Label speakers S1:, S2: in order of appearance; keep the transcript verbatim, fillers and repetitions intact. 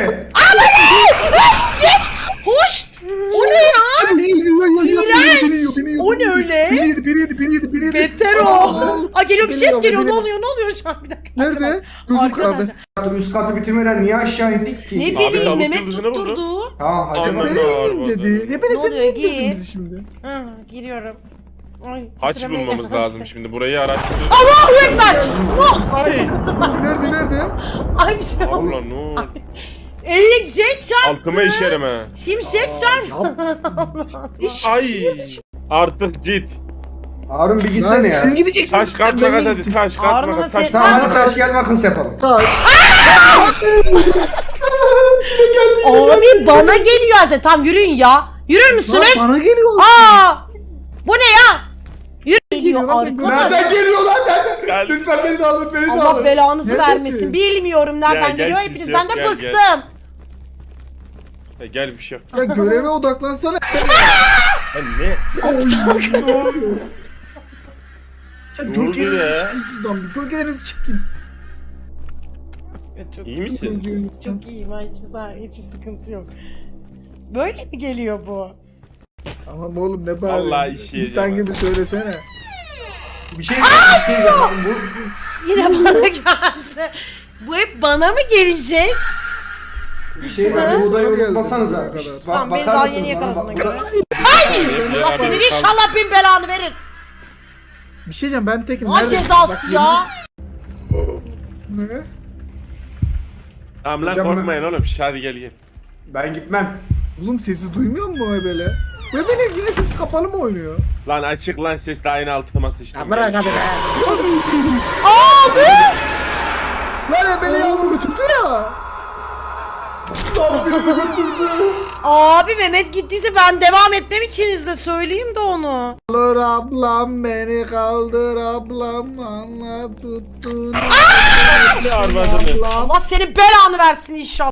S1: mi?
S2: Hoş! O ne ya? İğrenç! O ne öyle?
S3: Biri yedi, biri yedi, biri yedi, biri yedi.
S2: Beter o. Aa geliyor bir şey
S3: Geliyor,
S2: geliyor. Ne
S3: geliyor.
S2: oluyor? Ne oluyor şu an? Bir dakika.
S3: Nerede? Gözüm
S2: Arkadaşlar.
S3: karardı.
S1: Üst katı bitirmeden niye aşağı indik ki?
S2: Ne
S4: Abi,
S2: bileyim
S4: tavuk
S2: Mehmet
S4: yıldızına vurdu.
S2: tutturdu.
S1: Tamam hacı
S4: Aman.
S1: bak.
S3: Nereye ineyim dedi. Ya ben
S2: Ne
S3: sen
S2: oluyor,
S3: niye indirdin
S2: git.
S3: bizi şimdi?
S2: Hı, giriyorum. Ay,
S4: Haç
S2: titremeye
S4: bulmamız
S2: geldim.
S4: lazım şimdi. Burayı araştırıyoruz.
S2: Allahu Ekber! Oh!
S4: Ay.
S3: Nerede, nerede?
S2: Ay bir şey oldu.
S4: Allah ne oldu?
S2: Eee jet çarptı.
S4: Altıma işerim ha.
S2: Şimşek çarptı.
S4: Ay. Artık git.
S1: Harun bir
S3: Lan
S1: gitsene ya.
S3: siz gideceksiniz.
S4: Taş kart
S3: Ben
S4: makas
S3: gideyim.
S4: hadi. Taş kart
S2: Harun'un
S4: makas. Taş
S2: sesi-
S1: Tamam
S4: kart
S1: hadi
S4: makas.
S1: taş gel makas yapalım.
S3: Taş.
S2: Abi bana geliyor zaten. Tam yürüyün ya. Yürür
S3: Lan
S2: müsünüz?
S3: bana geliyor.
S2: Aa! Bu ne ya? Yürü geliyor
S3: Geliyor lan,
S2: arkadaş.
S1: Nereden geliyor lan? Nereden?
S4: Gel.
S1: Lütfen beni de alın, beni de
S2: Allah
S1: alın.
S2: belanızı
S3: Neredesin?
S2: vermesin. Bilmiyorum nereden
S4: Gel, gel,
S2: geliyor.
S4: kimse
S2: Hepinizden
S4: yok,
S2: de
S4: gel,
S2: bıktım.
S4: E, gel bir şey yok.
S3: Ya göreve odaklansana.
S4: Ya ne?
S3: Ne oluyor? Ya
S4: Ne oldu
S3: gölgelerinizi
S4: ya?
S3: çekin buradan bir. Gölgelerinizi çekin.
S2: Çok,
S4: İyi misin?
S3: Gölgelerinizi.
S2: çok iyiyim. Ha, hiçbir, sa- hiçbir sıkıntı yok. Böyle mi geliyor bu?
S3: Tamam oğlum ne bari.
S4: Vallahi işi
S3: İnsan
S4: yiyeceğim
S3: gibi söylesene.
S1: Bir şey bir şey yapalım bu.
S2: Yine bana geldi. Bu hep bana mı gelecek?
S1: Bir şey var. Bu odayı unutmasanıza.
S3: Kadar.
S1: Şşt, bak-
S2: Tamam beni
S1: bakar
S2: daha
S1: mısınız
S2: yeni
S1: bana?
S2: yakaladığına
S1: Bak-
S2: göre.
S4: Ya,
S2: Allah senin
S4: abi,
S2: inşallah bin belanı verir.
S3: Bir şey diyeceğim ben tekim.
S2: Ne
S3: Nerede?
S2: cezası
S3: Bak,
S2: ya?
S3: yemin- Ne?
S4: Tamam lan
S1: Hocam
S4: korkmayın oğlum. Şş, hadi gel gel.
S1: Ben gitmem.
S3: Oğlum sesi duymuyor mu o ebele? Ebele yine sesi kapalı mı oynuyor?
S4: Lan açık lan ses de aynı altıma sıçtım.
S3: Bırak hadi be.
S2: Aldı.
S3: Lan ebele yavru götürdü ya.
S2: Abi Mehmet gittiyse ben devam etmem ikinizde söyleyeyim de onu.
S3: Kaldır ablam beni kaldır ablam anla tuttun.
S4: Ne arvadını?
S2: Allah senin belanı versin inşallah.